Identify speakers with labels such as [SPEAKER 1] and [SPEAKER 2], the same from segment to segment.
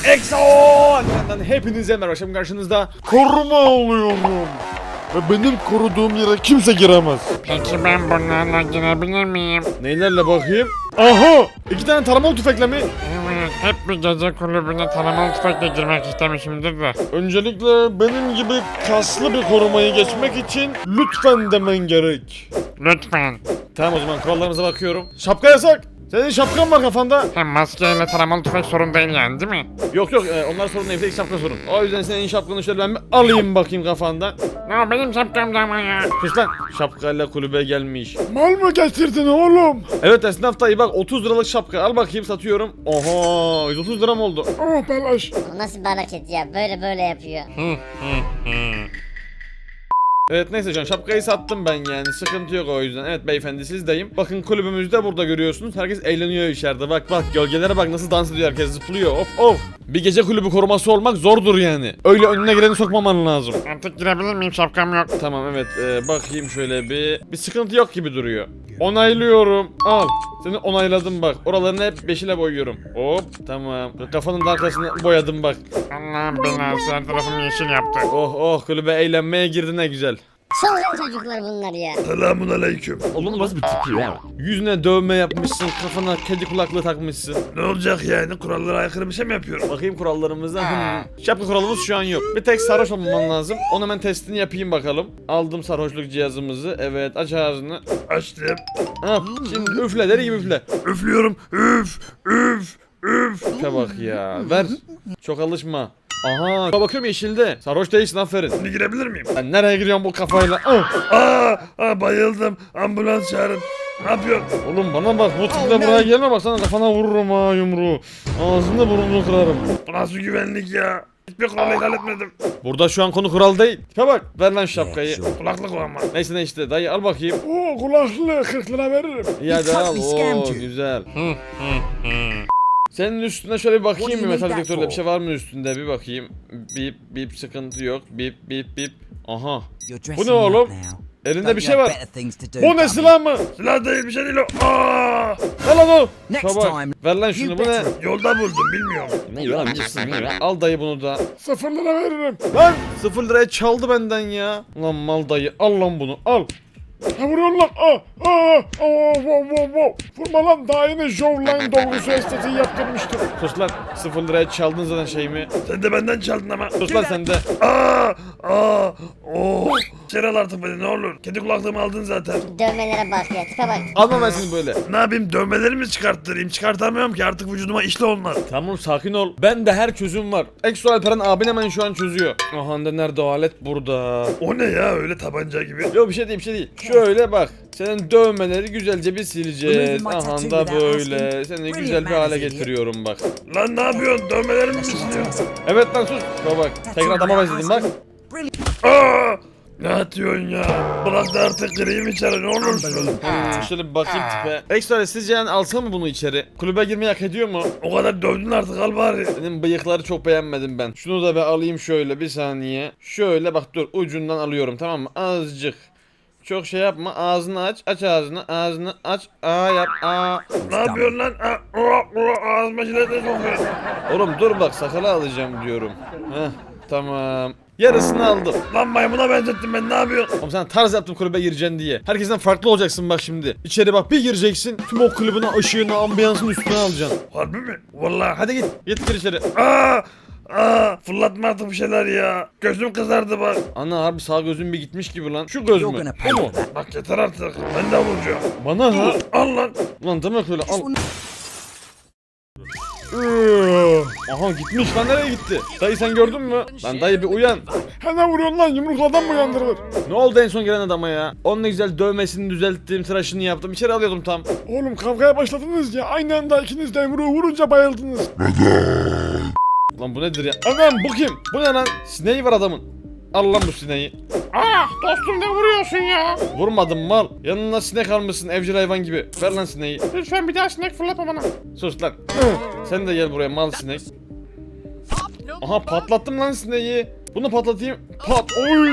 [SPEAKER 1] EXO! Hepinize merhaba, şimdi karşınızda koruma alıyorum. Ve benim koruduğum yere kimse giremez.
[SPEAKER 2] Peki ben bunlarla girebilir miyim?
[SPEAKER 1] Neylerle bakayım? Aha! 2 tane taramalı tüfekle mi?
[SPEAKER 2] Evet, hep bir gece kulübüne taramalı tüfekle girmek istemişimdir de.
[SPEAKER 1] Öncelikle benim gibi kaslı bir korumayı geçmek için lütfen demen gerek.
[SPEAKER 2] Lütfen.
[SPEAKER 1] Tamam, o zaman kurallarımıza bakıyorum. Şapka yasak. Senin şapkan var kafanda.
[SPEAKER 2] Hem maskeyle taramalı tüfek sorun değil yani, değil mi?
[SPEAKER 1] Yok onlar sorun değil, tek şapka sorun. O yüzden senin şapkanı şöyle ben bir alayım bakayım kafandan.
[SPEAKER 2] Ne benim şapkamda ama ya.
[SPEAKER 1] Sus lan, şapkayla kulübe gelmiş.
[SPEAKER 3] Mal mı getirdin oğlum?
[SPEAKER 1] Evet esnaf dayı, bak 30 liralık şapka al bakayım, satıyorum. Oha, 130 lira mı oldu?
[SPEAKER 3] Oh belaş.
[SPEAKER 4] O nasıl bir hareket ya? Böyle yapıyor.
[SPEAKER 1] Evet neyse can, şapkayı sattım ben, yani sıkıntı yok o yüzden. Evet beyefendi, sizdeyim. Bakın kulübümüzde burada görüyorsunuz. Herkes eğleniyor içeride. Bak gölgelere bak nasıl dans ediyor, herkes zıplıyor. Of. Bir gece kulübü koruması olmak zordur yani. Öyle önüne geleni sokmaman lazım.
[SPEAKER 2] Artık girebilir miyim, şapkam yok.
[SPEAKER 1] Tamam evet, bakayım şöyle bir sıkıntı yok gibi duruyor. Onaylıyorum. Al. Seni onayladım bak. Oralarını hep 5 ile boyuyorum. Hop tamam. Kafanın da arkasını boyadım bak.
[SPEAKER 2] Allah'ım belası, her tarafım yeşil yaptı.
[SPEAKER 1] Oh kulübe eğlenmeye girdi, ne güzel.
[SPEAKER 4] Çılgın çocuklar bunlar ya.
[SPEAKER 3] Selamun aleyküm.
[SPEAKER 1] Oğlum nasıl bir tipi ya? Yüzüne dövme yapmışsın, kafana kedi kulaklığı takmışsın.
[SPEAKER 3] Ne olacak yani? Kurallara aykırı bir şey mi yapıyorum?
[SPEAKER 1] Bakayım kurallarımıza. Şapka kuralımız şu an yok. Bir tek sarhoş olmaman lazım. Onu hemen testini yapayım bakalım. Aldım sarhoşluk cihazımızı. Evet, aç ağzını.
[SPEAKER 3] Açtım.
[SPEAKER 1] Ha, şimdi üfle, deri gibi üfle.
[SPEAKER 3] Üflüyorum. Üf.
[SPEAKER 1] Üfe bak ya. Ver. Çok alışma. Aha. Bakıyorum yeşilde. Sarhoş değilsin, aferin.
[SPEAKER 3] Şimdi girebilir miyim?
[SPEAKER 1] Ben nereye giriyorum bu kafayla?
[SPEAKER 3] Bayıldım. Ambulans çağırın. Ne yapıyorsun?
[SPEAKER 1] Oğlum bana bak, bu tiple buraya gelme, bak sana kafana vururum ha yumruğu. Ağzını burnunu kırarım.
[SPEAKER 3] Bu nasıl güvenlik ya? Hiçbir kuralı ihlal etmedim.
[SPEAKER 1] Burada şu an konu kural değil. Tipe bak, ver lan şu şapkayı.
[SPEAKER 3] Kulaklık o ama.
[SPEAKER 1] Neyse ne işte, dayı al bakayım.
[SPEAKER 3] Oo kulaklığı 40 lira veririm.
[SPEAKER 1] İyi hadi al. Oo güzel. Senin üstüne şöyle bir bakayım mı, metal detektörle bir şey var mı üstünde, bir bakayım. Bip sıkıntı yok. Bip. Aha. Bu ne oğlum? Elinde bir şey var. Bu ne, silah mı?
[SPEAKER 3] Silah değil, bir şey değil o. Aa!
[SPEAKER 1] Ver lan o.
[SPEAKER 5] Next
[SPEAKER 1] Şabak.
[SPEAKER 5] time,
[SPEAKER 1] Ver lan şunu, bu ne?
[SPEAKER 3] Yolda buldum, bilmiyorum.
[SPEAKER 1] Ne lan, al dayı bunu da.
[SPEAKER 3] 0 lira veririm.
[SPEAKER 1] Lan 0 liraya çaldı benden ya. Lan mal dayı, al lan bunu, al.
[SPEAKER 3] Ha vuruyorsun lan. Wow. Vurma lan, daha yeni Jawline dolgusu estetiği yaptırmıştım.
[SPEAKER 1] Sus lan, 0 liraya çaldın zaten şeyimi.
[SPEAKER 3] Sen de benden çaldın ama.
[SPEAKER 1] Sus lan sen de.
[SPEAKER 3] Çerel artık beni, ne olur. Kedi kulaklığımı aldın zaten.
[SPEAKER 4] Dövmelere bak ya, tipe bak.
[SPEAKER 1] Alma ben seni böyle.
[SPEAKER 3] Ne yapayım, dövmelerimi çıkarttırayım? Çıkartamıyorum ki, artık vücuduma işle onlar.
[SPEAKER 1] Tamam sakin ol. Ben de her çözüm var. Exo Alperen abin hemen şu an çözüyor. Aha da nerede o alet, burada.
[SPEAKER 3] O ne ya, öyle tabanca gibi?
[SPEAKER 1] Yok bir şey değil. Şöyle bak. Senin dövmeleri güzelce bir sileceğiz. Aha da böyle. Seni güzel bir hale getiriyorum bak.
[SPEAKER 3] Lan ne yapıyorsun, dövmelerimi mi istiyorsun?
[SPEAKER 1] Evet lan sus. Bak. Tekrar adama benzedim bak.
[SPEAKER 3] Aa! Ne atıyorsun ya? Bırak da artık gireyim içeri, ne olursun.
[SPEAKER 1] Şöyle bir bakayım tipe. Exo sizce yani alsam mı bunu içeri? Kulübe girmeyi hak ediyor mu?
[SPEAKER 3] O kadar dövdün artık, al bari.
[SPEAKER 1] Senin bıyıkları çok beğenmedim ben. Şunu da bir alayım şöyle, bir saniye. Şöyle bak, dur ucundan alıyorum, tamam mı? Azıcık. Çok şey yapma, ağzını aç ağzını aç, yap,
[SPEAKER 3] Ne yapıyorsun lan? Ağzıma jiletle sokuyorsun.
[SPEAKER 1] Oğlum dur bak, sakalı alacağım diyorum. Heh, tamam. Yarısını aldım.
[SPEAKER 3] Lan maymuna benzettim ben, ne yapıyorsun?
[SPEAKER 1] Oğlum sen tarz yaptım kulübe gireceksin diye. Herkesten farklı olacaksın bak şimdi. İçeri bak, bir gireceksin. Tüm o kulübün ışığını, ambiyansını üstüne alacaksın.
[SPEAKER 3] Harbi mi? Vallahi.
[SPEAKER 1] Hadi git gir içeri.
[SPEAKER 3] Fırlatma artık bir şeyler ya. Gözüm kızardı bak.
[SPEAKER 1] Ana harbi sağ gözün bir gitmiş gibi lan. Şu göz mü? O mu?
[SPEAKER 3] Bak yeter artık. Ben de vuracağım.
[SPEAKER 1] Bana ha?
[SPEAKER 3] Al lan.
[SPEAKER 1] Lan demek öyle, al. Aha gitmiş lan, nereye gitti? Dayı sen gördün mü? Lan dayı bir uyan.
[SPEAKER 3] Hemen vuruyorsun lan, yumrukladan mı uyandırılır?
[SPEAKER 1] Ne oldu en son gelen adama ya? Onun ne güzel dövmesini düzelttim, tıraşını yaptım. İçeri alıyordum tam.
[SPEAKER 3] Oğlum kavgaya başladınız ya, aynı anda ikiniz de yumruğu vurunca bayıldınız.
[SPEAKER 1] Lan bu nedir ya? Anam bu kim? Bu ne lan? Sineği var adamın. Al lan bu sineği.
[SPEAKER 2] Dostum ne vuruyorsun ya?
[SPEAKER 1] Vurmadım mal. Yanına sinek almışsın evcil hayvan gibi. Ver lan sineği.
[SPEAKER 2] Lütfen bir daha sinek fırlatma bana.
[SPEAKER 1] Sus lan. Sen de gel buraya mal sinek. Aha patlattım lan sineği. Bunu patlatayım. Pat. Oy.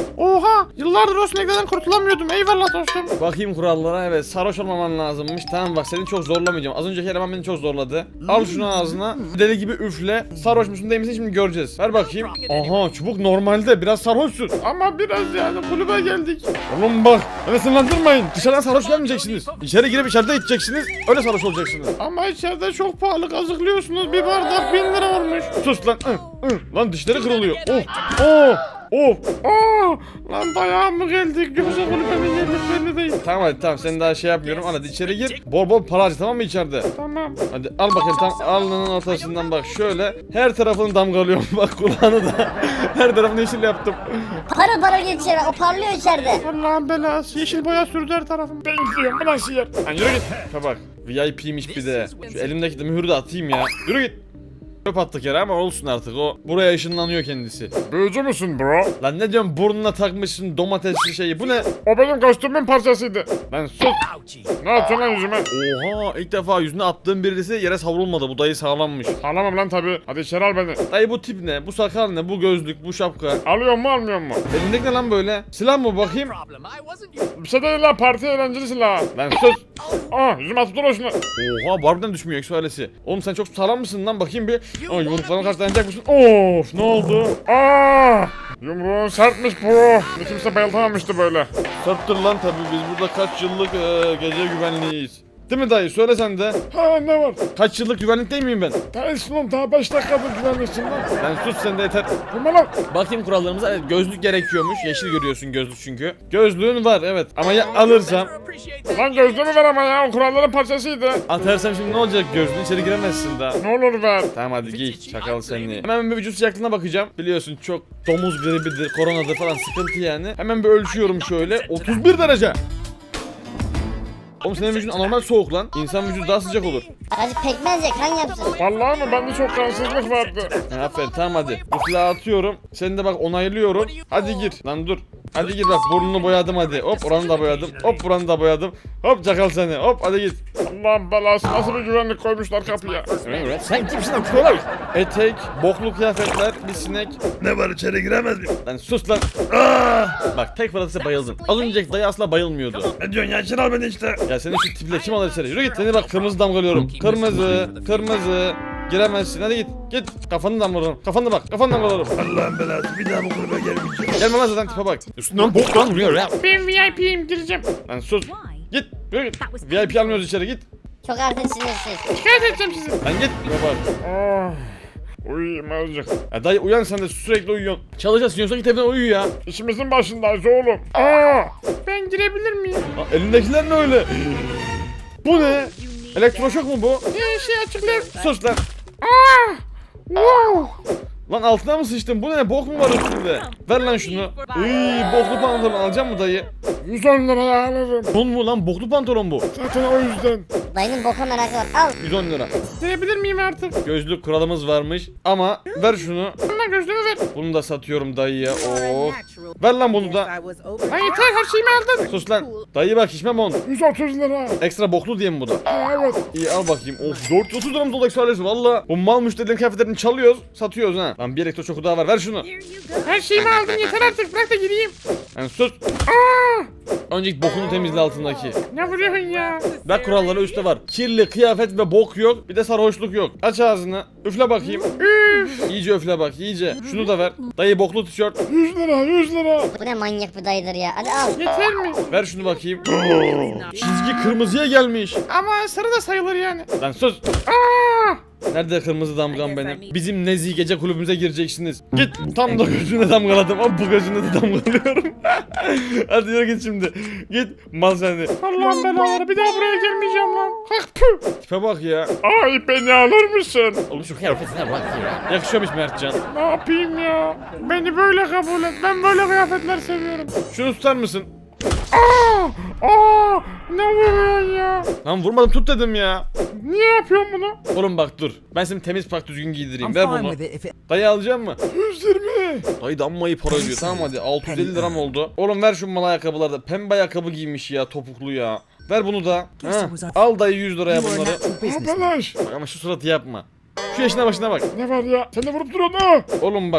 [SPEAKER 2] Oha yıllardır o sineklerden kurtulamıyordum. Eyvallah dostum.
[SPEAKER 1] Bakayım kurallara. Evet, sarhoş olmaman lazımmış. Tamam bak, seni çok zorlamayacağım. Az önceki eleman beni çok zorladı. Al şunu ağzına. Deli gibi üfle. Sarhoş musun değil misin şimdi göreceğiz. Ver bakayım. Aha, çubuk normalde biraz sarhoşsun.
[SPEAKER 2] Ama biraz yani kulübe geldik.
[SPEAKER 1] Oğlum bak, beni sınırlandırmayın. Dışarıdan sarhoş gelmeyeceksiniz. İçeri girip içeride içeceksiniz. Öyle sarhoş olacaksınız.
[SPEAKER 2] Ama içeride çok pahalı kazıklıyorsunuz. Bir bardak 1000 lira olmuş.
[SPEAKER 1] Sus lan. Lan dişleri kırılıyor. Oh. Oh. Of.
[SPEAKER 2] Aa, lan dayağa mı geldik? Yoksa kulübenin yerimiz belli değil.
[SPEAKER 1] Tamam hadi, tamam, seni daha şey yapmıyorum. Hadi içeri gir. Bol bol para harca, tamam mı içeride?
[SPEAKER 2] Tamam.
[SPEAKER 1] Hadi al bakayım, tam alnının ortasından bak şöyle. Her tarafını damgalıyorum bak, kulağını da. Her tarafını yeşil yaptım.
[SPEAKER 4] Para para geçiyor. O parlıyor içeride.
[SPEAKER 2] Allah'ın belası. Yeşil boya sürdü her tarafım. Ben gidiyorum. Bu nasıl yer?
[SPEAKER 1] Lan yürü git. Ha bak, VIP'miş bir de. Şu elimdeki de mühürü de atayım ya. Yürü git. Çöp attık yere ama olsun artık, o buraya ışınlanıyor kendisi.
[SPEAKER 2] Büyücü müsün bro?
[SPEAKER 1] Lan ne diyorsun, burnuna takmışsın domatesli şeyi, bu ne?
[SPEAKER 2] O benim kostümün parçasıydı.
[SPEAKER 1] Lan sus.
[SPEAKER 2] Ne yapıyorsun lan yüzüme?
[SPEAKER 1] Oha, ilk defa yüzüne attığım birisi yere savrulmadı, bu dayı sağlammış.
[SPEAKER 2] Ağlamam lan tabi. Hadi içeri al beni.
[SPEAKER 1] Dayı bu tip ne, bu sakal ne, bu gözlük, bu şapka.
[SPEAKER 2] Alıyor mu almıyor mu?
[SPEAKER 1] Elindeki ne lan böyle? Silah mı bakayım?
[SPEAKER 2] Bir şey değil lan, parti eğlenceli silah.
[SPEAKER 1] Lan sus.
[SPEAKER 2] Aa yüzüme tutun şunu.
[SPEAKER 1] Oha, barbiden düşmüyor eksualesi. Oğlum sen çok sağlam mısın lan, bakayım bir. Aa, yumruklarına karşı dayanacak mısın? Of, ne oldu?
[SPEAKER 2] Aa yumruğun sertmiş bro. Bir kimse bayıltamamıştı böyle.
[SPEAKER 1] Sörttür lan tabii, biz burada kaç yıllık gece güvenliğiyiz. Değil mi dayı? Söyle sen de.
[SPEAKER 2] Ha ne var?
[SPEAKER 1] Kaç yıllık güvenlik değil miyim ben?
[SPEAKER 2] Değilsin oğlum, daha 5 dakikadır güvenliksin lan.
[SPEAKER 1] Lan sus sen de, yeter.
[SPEAKER 2] Vurma lan.
[SPEAKER 1] Bakayım kurallarımıza. Evet, gözlük gerekiyormuş. Yeşil görüyorsun gözlük çünkü. Gözlüğün var evet, ama ya alırsam?
[SPEAKER 2] Lan gözlüğümü ver ama ya, o kuralların parçasıydı.
[SPEAKER 1] Atarsam şimdi ne olacak, gözlüğün içeri giremezsin daha.
[SPEAKER 2] Ne olur ver.
[SPEAKER 1] Tamam hadi giy, çakal seni. Hemen bir vücut sıcaklığına bakacağım. Biliyorsun çok domuz gribidir, koronadır falan, sıkıntı yani. Hemen bir ölçüyorum şöyle. 31 derece. Oğlum senin vücudun anormal soğuk lan. İnsan vücudu daha sıcak olur.
[SPEAKER 4] Azıcık pekmez ye, kan yapsın.
[SPEAKER 2] Vallahi mı? Bende çok kansızlık vardı.
[SPEAKER 1] Aferin, tamam hadi. Bu silahı atıyorum. Seni de bak onaylıyorum. Hadi gir. Lan dur. Hadi gir bak, burnunu boyadım hadi. Hop, oranı da boyadım. Hop, buranı da boyadım. Hop, çakal seni. Hop, hadi git.
[SPEAKER 2] Allah'ın belası, nasıl bir güvenlik koymuşlar kapıya.
[SPEAKER 1] Sen kimsin lan? Troll. Etek, boklu kıyafetler, bir sinek.
[SPEAKER 3] Ne var, içeri giremez miyim?
[SPEAKER 1] Lan sus lan. Bak tek fırlatırsa bayıldın. Az önceki dayı asla bayılmıyordu.
[SPEAKER 3] Ne diyorsun ya, içeri al beni işte.
[SPEAKER 1] Ya senin şu tiple kim alır içeri? Yürü git. Seni bak kırmızı damgalıyorum. Kırmızı, kırmızı. Giremezsin, hadi git. Git. Kafanı damgalıyorum. Kafanı bak. Kafanı damgalıyorum.
[SPEAKER 3] Allah'ın belası, bir daha bu kulübe gelmeyeceğim.
[SPEAKER 1] Gelme lan zaten, tipe bak. Üstünden bok lan vuruyor ya.
[SPEAKER 2] Ben VIP'yim, gireceğim.
[SPEAKER 1] Lan sus. Git. Yürü git. VIP almıyoruz içeri, git.
[SPEAKER 4] Çok artık sinirsiz.
[SPEAKER 2] Şikayet edeceğim sizi.
[SPEAKER 1] Lan git. Tipe bak.
[SPEAKER 2] Ah, uyuyayım azıcık.
[SPEAKER 1] Ya dayı uyan, sen de sürekli uyuyorsun. Çalışasın, yoksa git evine uyu ya.
[SPEAKER 2] İşimizin başındayız oğlum. Aa, ben girebilir miyim?
[SPEAKER 1] Lan elindekiler ne öyle? Bu ne? Elektroşok mu bu?
[SPEAKER 2] Şey açıklayayım.
[SPEAKER 1] Sus lan.
[SPEAKER 2] Aa, wow.
[SPEAKER 1] Lan altına mı sıçtın? Bu ne? Bok mu var üstünde? Ver lan şunu. Iy, boklu pantolon alacak mı dayı?
[SPEAKER 2] 110 liraya alırım.
[SPEAKER 1] Don mu lan? Boklu pantolon bu.
[SPEAKER 2] Zaten o yüzden.
[SPEAKER 4] Dayının boka merakı var. Al.
[SPEAKER 1] 110 lira.
[SPEAKER 2] Girebilir miyim artık?
[SPEAKER 1] Gözlük kuralımız varmış ama ver şunu.
[SPEAKER 2] Bana gözlüğümü ver.
[SPEAKER 1] Bunu da satıyorum dayıya. Oh. Ver lan bunu da.
[SPEAKER 2] Lan yeter, her şeyimi aldın.
[SPEAKER 1] Sus lan. Dayı bak, içmem on.
[SPEAKER 2] 130 lira.
[SPEAKER 1] Ekstra boklu diye mi bu da?
[SPEAKER 2] Ha, evet.
[SPEAKER 1] İyi al bakayım. Of, 430 liramız oldu eksualesi valla. Bu mal müşterilerin kıyafetlerini çalıyoruz, satıyoruz ha. Lan bir elektroşoku daha var, ver şunu.
[SPEAKER 2] Her şeyimi aldın, yeter artık, bırak da gireyim.
[SPEAKER 1] Yani sus.
[SPEAKER 2] Aa,
[SPEAKER 1] Önceki bokunu temizle altındaki.
[SPEAKER 2] ne vuruyorsun ya?
[SPEAKER 1] Bak kuralları üstte var. Kirli kıyafet ve bok yok. Bir de sarhoşluk yok. Aç ağzını. Üfle bakayım.
[SPEAKER 2] Üf.
[SPEAKER 1] İyice üfle bak, iyice. Şunu da ver. Dayı boklu tişört.
[SPEAKER 2] 100 lira, 100 lira.
[SPEAKER 4] Bu ne manyak bir dayıdır ya. Hadi al.
[SPEAKER 2] Yeter mi?
[SPEAKER 1] Ver şunu bakayım. Çizgi kırmızıya gelmiş.
[SPEAKER 2] Ama sarı da sayılır yani.
[SPEAKER 1] Lan sus.
[SPEAKER 2] Aa,
[SPEAKER 1] Nerede kırmızı damgam benim? Bizim Nezi gece kulübümüze gireceksiniz. Git. Tam da gözüne damgaladım. Ama bu gözüne de damgalıyorum. Hadi yürü git şimdi. Git. Mal seni.
[SPEAKER 2] Allah'ın belaları, bir daha buraya gelmeyeceğim lan. Kalk püh.
[SPEAKER 1] Tipe bak ya.
[SPEAKER 2] Ay beni alır mısın?
[SPEAKER 1] Oğlum şu kıyafetine bak ya. Yakışıyormuş Mertcan.
[SPEAKER 2] Ne yapayım ya? Beni böyle kabul et. Ben böyle kıyafetler seviyorum.
[SPEAKER 1] Şunu tutar mısın?
[SPEAKER 2] Aa, ne vuruyorsun ya?
[SPEAKER 1] Lan vurmadım, tut dedim ya.
[SPEAKER 2] Niye yapıyorsun bunu?
[SPEAKER 1] Oğlum bak dur. Ben seni temiz pak düzgün giydireyim.
[SPEAKER 5] I'm
[SPEAKER 1] Ver
[SPEAKER 5] fine
[SPEAKER 1] bunu.
[SPEAKER 5] with it if it.
[SPEAKER 1] Dayı alacak mı?
[SPEAKER 2] 120.
[SPEAKER 1] Dayı dammayı para ödüyor. Tamam hadi, 650 liram oldu. Oğlum ver şu mal ayakkabıları da. Pembe ayakkabı giymiş ya, topuklu ya. Ver bunu da. Ha. Al dayı 100 liraya
[SPEAKER 5] You are a
[SPEAKER 1] bunları.
[SPEAKER 5] natural businessman.
[SPEAKER 2] Abalaş.
[SPEAKER 1] Bak ama şu suratı yapma. Şu yaşına başına bak.
[SPEAKER 2] Ne var ya? Sen de vurup duruyorsun ha.
[SPEAKER 1] Oğlum bak.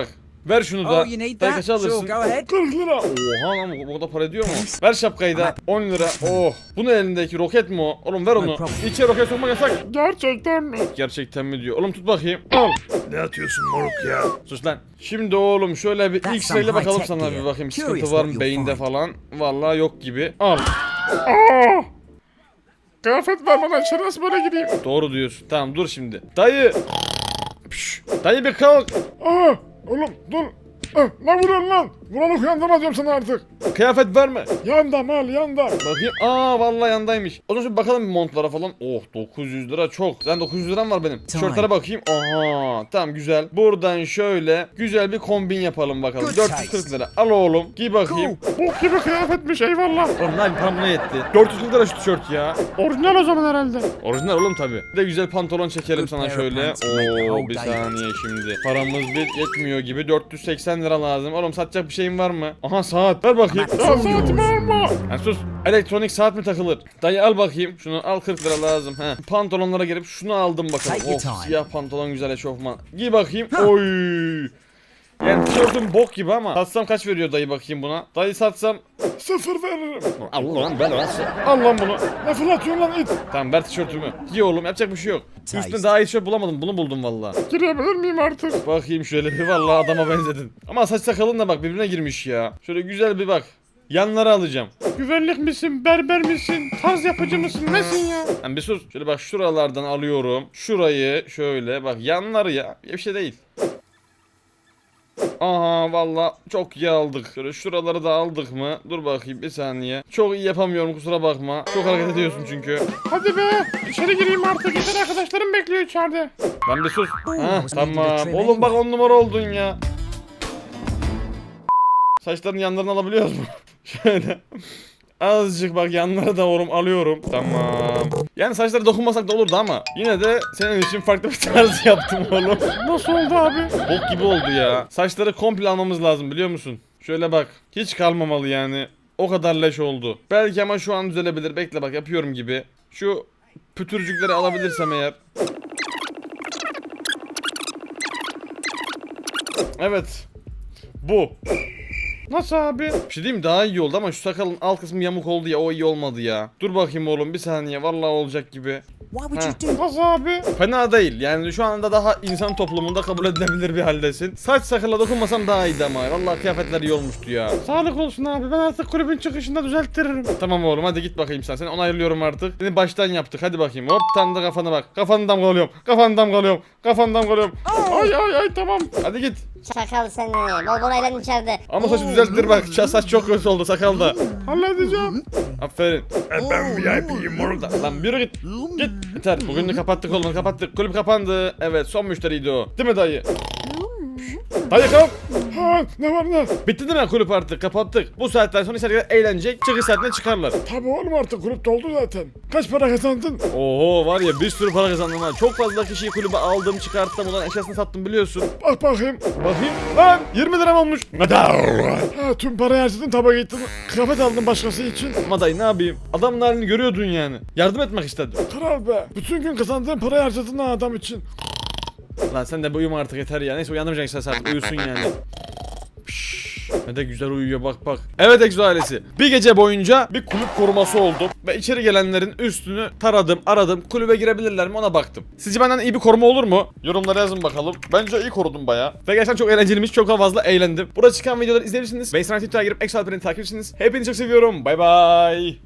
[SPEAKER 1] Ver şunu da.
[SPEAKER 5] Oh, you need
[SPEAKER 1] Dayı
[SPEAKER 5] that?
[SPEAKER 1] kaça alırsın?
[SPEAKER 5] Sure, go ahead.
[SPEAKER 1] 40 lira. Oha lan bu da para ediyor mu? Ver şapkayı da. 10 lira. Oh. Bu ne elindeki roket mi o? Oğlum ver onu.
[SPEAKER 5] problem.
[SPEAKER 1] İçeri roket sokmak yasak.
[SPEAKER 2] Gerçekten mi?
[SPEAKER 1] Gerçekten mi diyor. Oğlum tut bakayım. Al.
[SPEAKER 3] Ne atıyorsun moruk ya?
[SPEAKER 1] Sus lan. Şimdi oğlum şöyle bir
[SPEAKER 5] That's
[SPEAKER 1] X-ray'le
[SPEAKER 5] some
[SPEAKER 1] bakalım
[SPEAKER 5] high-tech
[SPEAKER 1] sana bir
[SPEAKER 5] gear.
[SPEAKER 1] bakayım.
[SPEAKER 5] Curious
[SPEAKER 1] Sıkıntı var
[SPEAKER 5] what
[SPEAKER 1] mı
[SPEAKER 5] you'll
[SPEAKER 1] beyinde
[SPEAKER 5] find.
[SPEAKER 1] falan? Vallahi yok gibi. Al.
[SPEAKER 2] Aa! Kıyafet vermeden içeri nasıl böyle gireyim?
[SPEAKER 1] Doğru diyorsun. Tamam dur şimdi. Dayı. Püş. Dayı bir kalk.
[SPEAKER 2] Aa! Oğlum dur. Ne vuruyorsun lan? Vuranı uyandırma diyorum sana artık.
[SPEAKER 1] Kıyafet verme.
[SPEAKER 2] Yanda mal yanda.
[SPEAKER 1] Bakayım. Aa vallahi yandaymış. O zaman şimdi bakalım bir montlara falan. Oh 900 lira çok. Sen 900 liram var benim. Tişörtlere bakayım. Aha tamam güzel. Buradan şöyle güzel bir kombin yapalım bakalım.
[SPEAKER 5] Good
[SPEAKER 1] 440 lira. Al oğlum. Giy bakayım.
[SPEAKER 2] Bok gibi kıyafetmiş eyvallah.
[SPEAKER 1] Oğlum lan param buna yetti. 440 lira şu tişört ya.
[SPEAKER 2] Orijinal o zaman herhalde.
[SPEAKER 1] Orijinal oğlum tabi. Bir de güzel pantolon çekelim
[SPEAKER 5] Good
[SPEAKER 1] sana
[SPEAKER 5] pair of
[SPEAKER 1] şöyle.
[SPEAKER 5] pants to make the
[SPEAKER 1] Oo
[SPEAKER 5] whole
[SPEAKER 1] bir
[SPEAKER 5] day.
[SPEAKER 1] saniye şimdi. Paramız bir yetmiyor gibi. 480 lira lazım. Oğlum satacak bir şeyin var mı? Aha saat. Ver bakayım.
[SPEAKER 5] Ama-
[SPEAKER 2] Ya saatimi alma.
[SPEAKER 1] Ha, sus. Elektronik saat mi takılır? Dayı al bakayım. Şunu al 40 lira lazım. He. Pantolonlara gelip şunu aldım bakalım.
[SPEAKER 5] Take your
[SPEAKER 1] Of
[SPEAKER 5] time.
[SPEAKER 1] siyah pantolon güzel eşofman. Giy bakayım. Oy. Yani tişörtüm bok gibi ama satsam kaç veriyor dayı bakayım buna? Dayı satsam
[SPEAKER 2] 0 veririm.
[SPEAKER 1] al lan ben
[SPEAKER 2] Al lan bunu. Ne fırlatıyorsun lan it?
[SPEAKER 1] tamam ver tişörtümü. Giy oğlum yapacak bir şey yok. Üstüne daha iyi tişört bulamadım. Bunu buldum valla.
[SPEAKER 2] Girebilir miyim artık?
[SPEAKER 1] Bakayım şöyle bir valla adama benzedin. Ama saç sakalın da bak birbirine girmiş ya. Şöyle güzel bir bak. Yanları alacağım.
[SPEAKER 2] Güvenlik misin? Berber misin? Tarz yapıcı mısın? Nesin ya?
[SPEAKER 1] Hani bir sus. Şöyle bak şuralardan alıyorum. Şurayı şöyle bak yanları ya. Bir şey değil. Aha valla çok iyi aldık. Şöyle şuraları da aldık mı? Dur bakayım bir saniye. Çok iyi yapamıyorum kusura bakma. Çok hareket ediyorsun çünkü.
[SPEAKER 2] Hadi be. İçeri gireyim artık. Yeter arkadaşlarım bekliyor içeride.
[SPEAKER 1] Ben bir sus. Ha
[SPEAKER 5] was needed a
[SPEAKER 1] tamam.
[SPEAKER 5] trim
[SPEAKER 1] Oğlum bak
[SPEAKER 5] anyway.
[SPEAKER 1] 10 numara oldun ya. Saçların yanlarını alabiliyoruz mu? Şöyle. Azıcık bak yanlara da oğlum alıyorum. Tamam. Yani saçlara dokunmasak da olurdu ama yine de senin için farklı bir tarz yaptım oğlum.
[SPEAKER 2] Nasıl oldu abi?
[SPEAKER 1] Bok gibi oldu ya. Saçları komple almamız lazım biliyor musun? Şöyle bak. Hiç kalmamalı yani. O kadar leş oldu. Belki ama şu an düzelebilir. Bekle bak yapıyorum gibi. Şu pütürcükleri alabilirsem eğer. Evet. Bu.
[SPEAKER 2] Nasıl abi?
[SPEAKER 1] Bir şey diyeyim mi? Daha iyi oldu ama şu sakalın alt kısmı yamuk oldu ya o iyi olmadı ya. Dur bakayım oğlum bir saniye vallahi olacak gibi.
[SPEAKER 5] Why would you do
[SPEAKER 2] Nasıl abi?
[SPEAKER 1] Fena değil yani şu anda daha insan toplumunda kabul edilebilir bir haldesin. Saç sakala dokunmasam daha iyiydi ama vallahi kıyafetler iyi olmuştu ya.
[SPEAKER 2] Sağlık olsun abi. Ben artık kulübün çıkışında düzelttiririm.
[SPEAKER 1] Tamam oğlum hadi git bakayım sen. Seni onaylıyorum artık. Seni baştan yaptık hadi bakayım. Hop tam da kafana bak. Kafanı damgalıyorum. Kafanı damgalıyorum. Kafanı damgalıyorum.
[SPEAKER 2] Ay tamam.
[SPEAKER 1] Hadi git.
[SPEAKER 4] Çakal seni. Bol bol eğlen içeride.
[SPEAKER 1] Ama saçı düzelttir bak. Saç çok kötü oldu sakal da.
[SPEAKER 2] Halledeceğim.
[SPEAKER 1] Aferin.
[SPEAKER 3] Ben VIP'yim moruk.
[SPEAKER 1] Lan yürü git. Git. Yeter. Bugün de kapattık oğlum kapattık. Kulüp kapandı. Evet son müşteriydi o. Değil mi dayı? Dayı kalk.
[SPEAKER 2] Ha, ne var ne?
[SPEAKER 1] Bitti değil mi kulüp artık kapattık. Bu saatten sonra içeriye eğlenecek. Çıkış saatine çıkarlar.
[SPEAKER 2] Tabii oğlum artık kulüp doldu zaten. Kaç para kazandın?
[SPEAKER 1] Oho var ya bir sürü para kazandım ha. Çok fazla kişiyi kulübe aldım çıkarttım. Ulan eşyasını sattım biliyorsun.
[SPEAKER 2] Bak bakayım.
[SPEAKER 1] Bakayım. Lan 20 liram olmuş.
[SPEAKER 2] Ha, tüm parayı harcadın tabağa gittin. Kıyafet aldın başkası için.
[SPEAKER 1] Ama dayı ne yapayım? Adamın halini görüyordun yani. Yardım etmek istedim.
[SPEAKER 2] Kral be. Bütün gün kazandığın parayı harcadın ha adam için.
[SPEAKER 1] Lan sen de bir uyuma artık yeter ya. Neyse uyandırmayacaksın sen artık uyusun yani. Pişş, ne de güzel uyuyor bak bak. Evet Exo ailesi. Bir gece boyunca bir kulüp koruması oldum. Ve içeri gelenlerin üstünü taradım aradım. Kulübe girebilirler mi ona baktım. Sizce benden iyi bir koruma olur mu? Yorumlara yazın bakalım. Bence iyi korudum baya. Ve gerçekten çok eğlenceliymiş. Çok fazla eğlendim. Burada çıkan videoları izleyebilirsiniz. Ve Instagram Twitter'a girip Exo Alperen'i takip edersiniz. Hepinizi çok seviyorum. Bay bay.